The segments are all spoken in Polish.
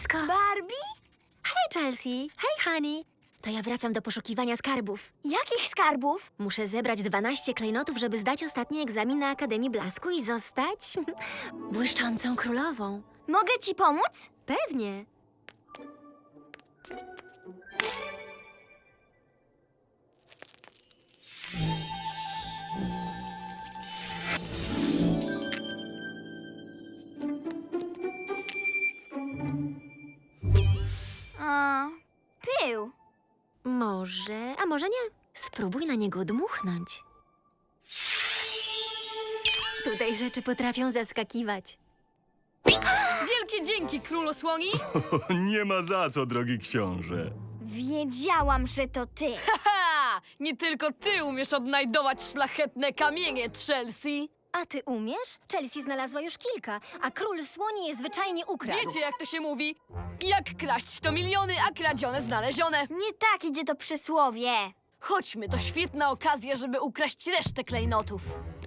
blisko. Barbie? Hej, Chelsea. Hej, Honey. To ja wracam do poszukiwania skarbów. Jakich skarbów? Muszę zebrać 12 klejnotów, żeby zdać ostatni egzamin na Akademii Blasku i zostać błyszczącą królową. Mogę ci pomóc? Pewnie. A, pył. Może, a może nie. Spróbuj na niego dmuchnąć. Tutaj rzeczy potrafią zaskakiwać. Wielkie dzięki, królu słoni! Nie ma za co, drogi książę. Wiedziałam, że to ty. Ha! Nie tylko ty umiesz odnajdować szlachetne kamienie, Chelsea! A ty umiesz? Chelsea znalazła już kilka, a król słoni je zwyczajnie ukradł. Wiecie, jak to się mówi? Jak kraść to miliony, a kradzione znalezione. Nie tak idzie to przysłowie. Chodźmy, to świetna okazja, żeby ukraść resztę klejnotów.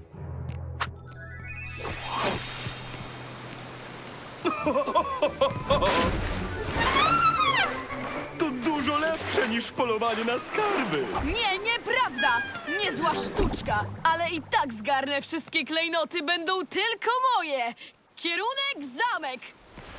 To dużo lepsze niż polowanie na skarby. Nie, nieprawda! Niezła sztuczka, ale i tak zgarnę wszystkie klejnoty, będą tylko moje! Kierunek zamek!